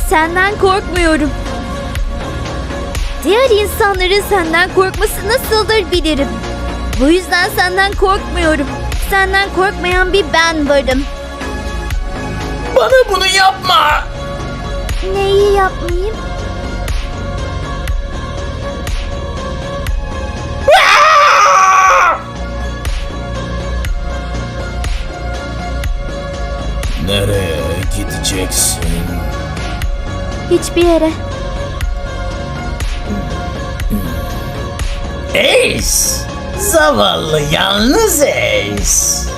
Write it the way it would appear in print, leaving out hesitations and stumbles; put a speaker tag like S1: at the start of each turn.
S1: Senden korkmuyorum. Diğer insanların senden korkması nasıldır bilirim. Bu yüzden senden korkmuyorum. Senden korkmayan bir ben varım.
S2: Bana bunu yapma.
S1: Neyi yapmayayım?
S2: Nereye gideceksin?
S1: Hiçbir yere.
S2: Ace! Zavallı yalnız Ace!